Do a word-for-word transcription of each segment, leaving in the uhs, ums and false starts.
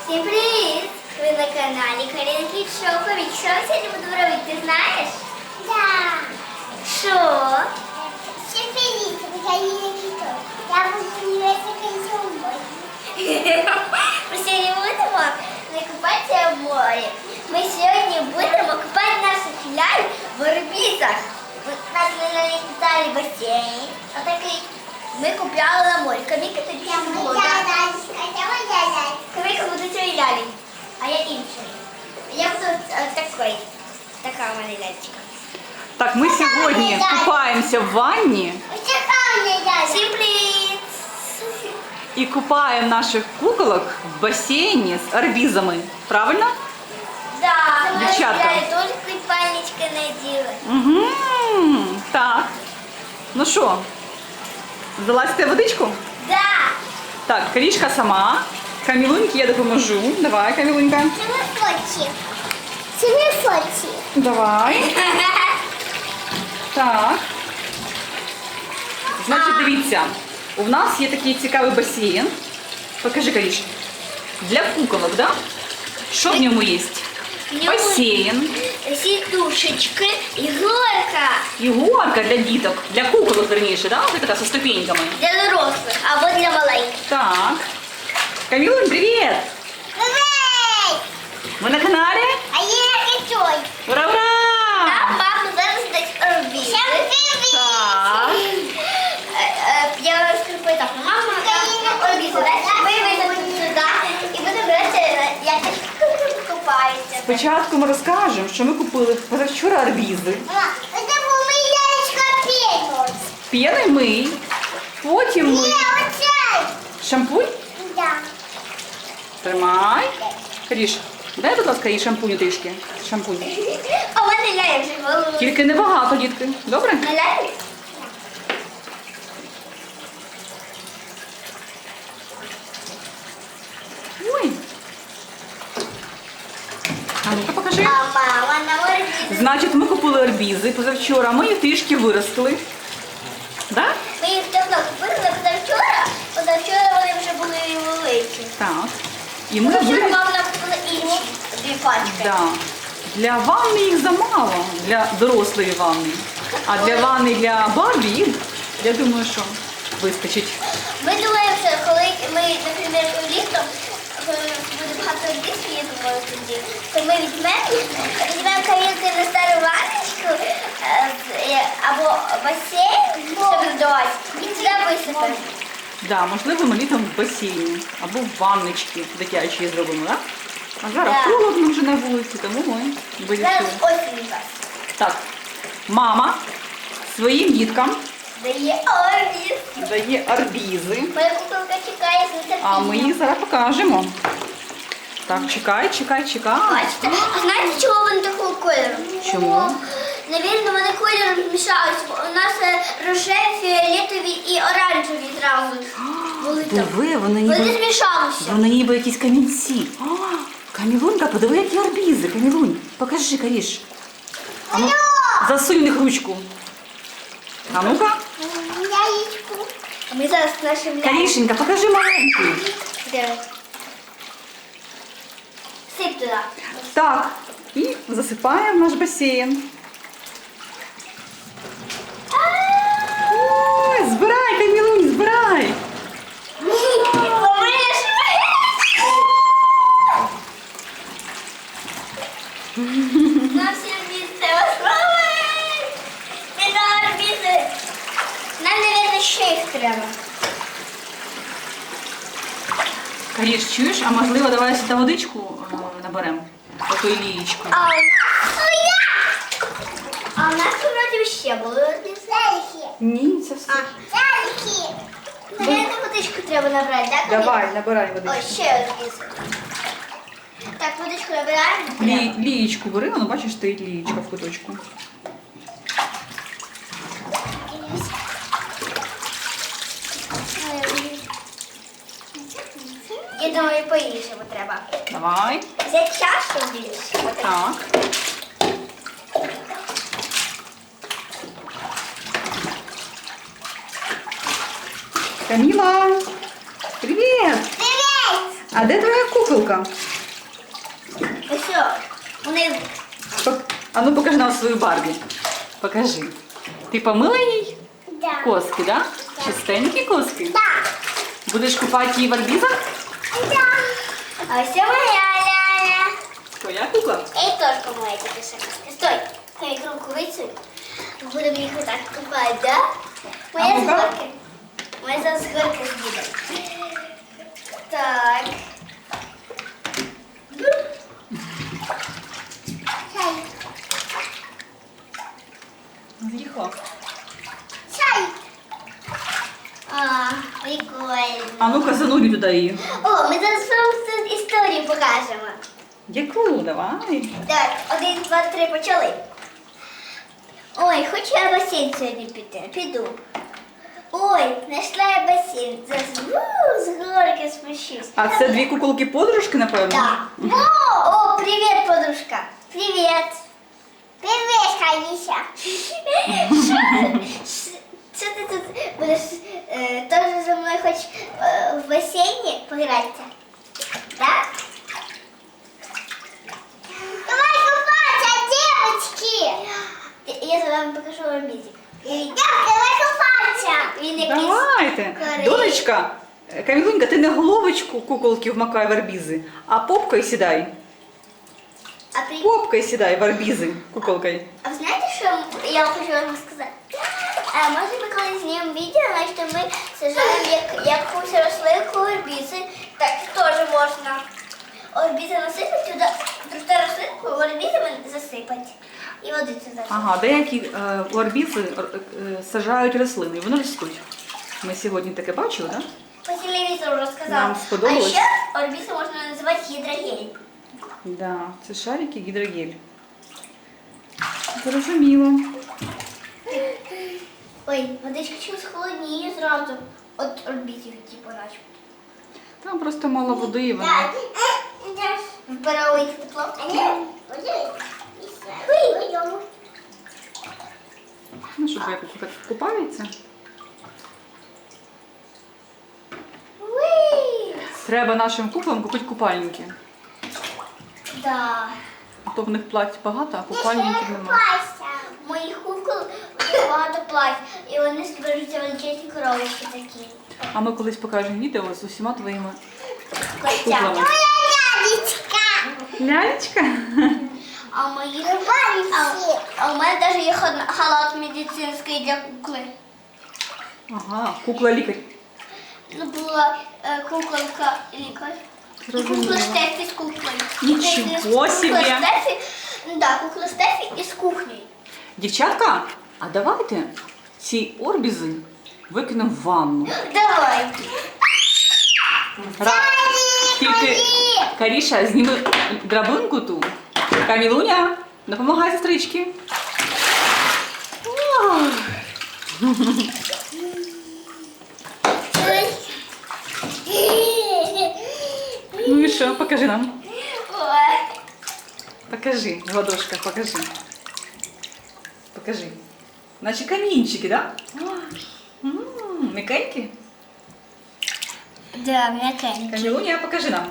Всім привіт! Ви на каналі Каріна Кіт Шоу. Повік, що я сьогодні буду робити, ти знаєш? Да. Що? Всім привіт, ви Каріна Кіт Шоу. Я буду дивитися консумбой. Ми сьогодні будемо не купатися в морі. Ми сьогодні будемо купати наших ляль в орбітах. У нас лялі спеціальний басейн. Отакий. Ми купляли на морі. Каміка тобі Я не було, моя так? лялька, я моя лялька. Каміка буде цієї лялі, а я іншої. Я буду е, такий. Така у мене ляльчика. Так, ми сьогодні купаємося в ванні Ось така у мене лялька. Всім привіт! і купаємо наших куколок в басейні з арбізами. Правильно? Да, Дівчатка. я теж купальнички наділа. Угу. Так. Ну що, залазьте в водичку? Да. Так, Карішка сама. Камілуньки я допоможу. Давай, Камілунька. Це ми фоті. Це ми фоті. Давай. Так. Значить, дивіться, у нас є такий цікавий басейн. Покажи, Каріш. Для куколок, да? Що в ньому є? Басейн, Сідушечки і горка і горка для діток, для куколок, верніше, да? Ось така зі ступеньками. для дорослих або для маленьких. Так. Камілунь, привіт! Привіт! Ми на каналі? А я кицой. Ура-ура! Нам мама зараз дасть орбіти. Всім привіт! Так. Я розкріпую так. Мама нам орбіти дасть. Ми вийдемо сюди і будемо грати, як купаються. Спочатку ми розкажемо, що ми купили позавчора арбізи. Мама, це була моя лялечка пенус. П'яний мий, потім ми Ні, оцей. шампунь. Да. Тримай. Каріш, дай, будь ласка, їй шампуню трішки. Шампунь. А в мене ляє вже голову. Тільки небагато, дітки. Добре? Не ляє? Ой. А ну-ка покажи. А мама на орбіти. Значить, ми купили арбізи позавчора, ми їх трішки виростили. Да? Ми їх давно купили позавчора, позавчора вони вже були великі. Так. І ми Позавчора виростили. мама нам купила інші дві пачки. Да. Для ванни їх замало, для дорослої ванни. А для ванни для Барбі їх, я думаю, що вистачить. Ми думаємо, що коли ми, наприклад, літом, коли буде багато дітей, я думаю, тоді, то ми візьмемо, візьмемо кавінки на стару ванночку е, з- е, або басейн, щоб вдавати, і туди висипемо. Да, можливо, ми літом в басейні або в ванночці дитячі зробимо, так? А зараз Да. холодно вже на вулиці, тому ми Зараз вирішили. осінь у нас. Так, мама своїм діткам Дає орбіт. дає арбізи, Моя куколка чекає з нетерпінням. а ми їх зараз покажемо. Так, чекай, чекай, чекай. Бачите, а знаєте, чого вони такого кольору? Чому? Навірно, вони кольором змішалися, бо у нас е, рожеві, фіолетові і оранжеві зразу були там. Диви, вони Вони ніби, змішалися. вони ніби якісь камінці. О, Камілунька, подиви, які арбізи. Камілунь, покажи, Каріш. А ну, засунь в них ручку. А ну-ка. Лялечку. А ми зараз нашим Карішенька, покажи маленький. Сип туди. Так, і засипаємо в наш басейн. Ой, збирай, Камілунь, збирай. Нам всі орбізи розправить. Ми на орбізи. Нам, мабуть, ще їх треба. Каріш, чуєш, а можливо, давай сюди водичку е, наберемо? Такою лієчкою. А у нас... А у нас вроді ще були орбізи. Ляльки. Ні, це все. Ляльки. Наверное, водичку треба набрати, так? Давай, набирай Ой, водичку. ще орбізи. Так, водичку набираємо. Лі, лієчку бери, воно, бачиш, стоїть лієчка в куточку. Я думаю, по-іншому треба. Давай. Взяти чашу більше. Так. Каміла, привіт! Привіт! А де твоя куколка? Ось що, вони Пок- А ну покажи нам свою Барбі. Покажи. Ти помила їй Да. коски, да? Чистенькі коски? Да. Будеш купати її в арбізах? Да. А ось це моя ляля. Твоя кукла? І теж моя тільки шоколадка. Стой, хай руку висунь. Будемо їх отак купати, да? Моя А з ну-ка. горки. Моя зараз з горки буде. Так. Чай. З'їхала. Чай. А, прикольно. А ну-ка занурі туди її. О, ми зараз вам тут історію покажемо. Яку? Давай. Так, один, два, три, почали. Ой, хочу я в басейн сьогодні піти. Піду. Ой, знайшла я басейн. Зараз у, з горки спущусь. А це дві куколки-подружки, напевно? Да. О, о, привет, подружка. Привет. Привет, Хаиша. Що ти тут будеш е, теж зі мною хоч е, в басейні погратися? Так? Давай купаться, девочки. Я за вами покажу вам мізик. Девочки, давай купаться. Він якийсь Давайте. корей. Донечка, Камілунька, ти не головочку куколки вмакай в арбізи, а попкою сідай. А при... Попкою сідай в арбізи куколкою. А ви знаєте, що я хочу вам сказати? А, може ми коли знімемо відео, значить ми сажаємо як, якусь рослинку орбізи, так теж можна. Орбізи насипати, туди просто рослинку орбізами засипати. І води туди. Ага, деякі е, у арбізи е, е, саджають рослини, і вони ростуть. Ми сьогодні таке бачили, так? По телевізору розказала. Нам сподобалось. А ще орбізи можна називати гідрогель. Да, це шарики гідрогель. Зрозуміло. Ой, водичка чогось холодніє зразу. От орбізів, типу, наче. Там просто мало води і вона. Да. Да. Вбирали тепло. Ну, щоб як так купається. Уи! Треба нашим куклам купити купальники. Да. А то в них плать багато, а купальників немає. Моїх кукол дуже багато плать, і вони зберуться величезні коробочки такі. А ми колись покажемо відео з усіма твоїми Костя. куклами. Лялечка. Лялечка? А у моїх а, а у мене навіть є ха- халат медицинський для кукли. Ага, кукла-лікар. Ну, була е, куколка лікар. І Зрозуміло. кукла Стефі з куклою. Нічого Кукла собі. Стефі, ну, да, кукла Стефі із кухнею. Дівчатка, а давайте ці орбізи викинемо в ванну. Давай. Ра... Тільки Каріша, зніми драбинку ту. Камілуня, допомагай сестрички. Ох. Ну і що, покажи нам. Ой. Покажи, в ладошках, покажи. Покажи. Наче камінчики, так? Да? М'якенькі? Да, м'якенькі. Камілуня, покажи нам.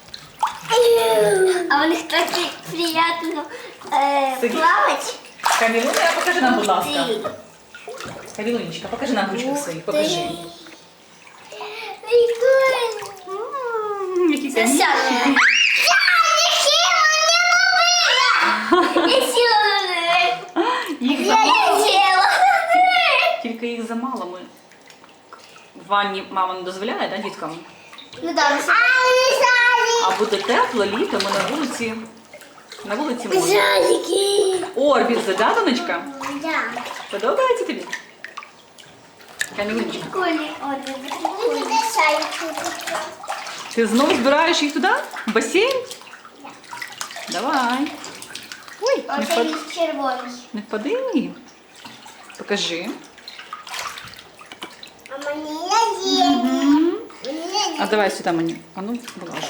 А у них так приємно е, Сидіть. плавати. Камілуня, покажи нам, будь ласка. Ти. Камілунечка, покажи нам ручки Ух свої, ти. покажи. Прикольно. М, Які камінчики. Засянула. Я сіла на неї. Їх Я замало. сіла на неї. Тільки їх замало. Ми в ванні мама не дозволяє, да, діткам? Ну да, ми А буде тепло, літо, ми на вулиці. На вулиці можна. жаліки. Орбізи, да, донечка? Да. Подобається тобі? Камілунечка, Прикольні. О, це прикольно. ти знову збираєш їх туди? В басейн? Давай. Ой, не, Оце впад... він червоний. не впади. Покажи. А мені є. А давай сюди мені. А ну, вилажу.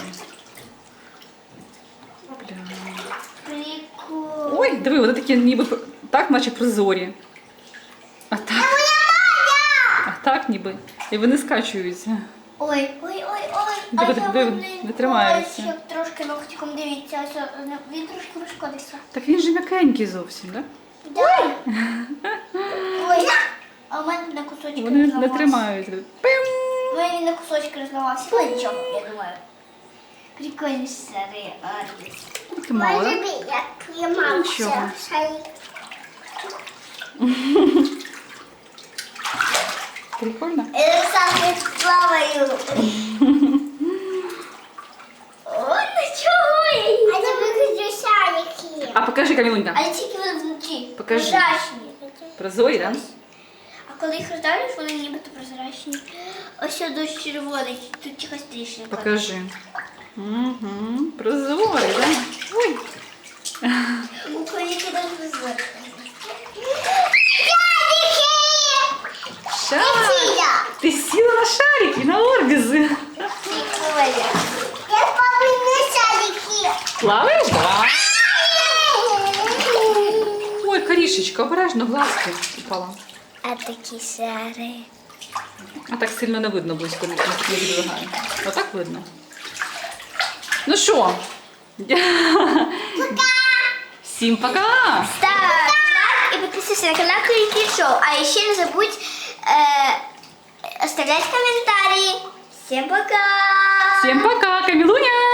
Бля. Прикольно. Ой, диви, вони такі ніби пр- так, наче прозорі. А так. А так ніби. І вони скачуються. Ой, ой, ой, ой. А Диви, я диви, вони не тримаються. бувають, як трошки ногтиком дивіться, ось о, він трошки розшкодився. Так він же м'якенький зовсім, так? Ой! Ой! А у мене на кусочки Вони не розламався. тримаються. Пим! У мене він на кусочки розламався. Ну нічого, я думаю. Прикольний старий Арбіс. Таке мало, Може так? би, як тримався. Нічого. Шарик. Прикольно. Я сам плаваю. О, нічого! А це вигляджу шарики. А покажи, Камілунька. Але тільки вони внутрі. Покажи. Прозрачні. Прозорі, так? А коли їх роздавлюєш, вони нібито прозрачні. Ось що дощ червоний, тут якась тріщинка. Покажи. Угу. Прозорі, так? Ой. У коліки не прозрачні. Шарик. Ти сіла на шарики, на орбізи. Прикольно. Я повинна шарики. Плаваєш? Да. Ой, Карішечка, обережно, глазки упала. А такі шари. А так сильно не видно близько, не відвигає. Отак видно. Ну що? Всім пока! Ставь лайк и подписывайся на канал Крики Шоу. А еще не забудь э, оставлять комментарии. Всем пока! Всім пока, Камілуня!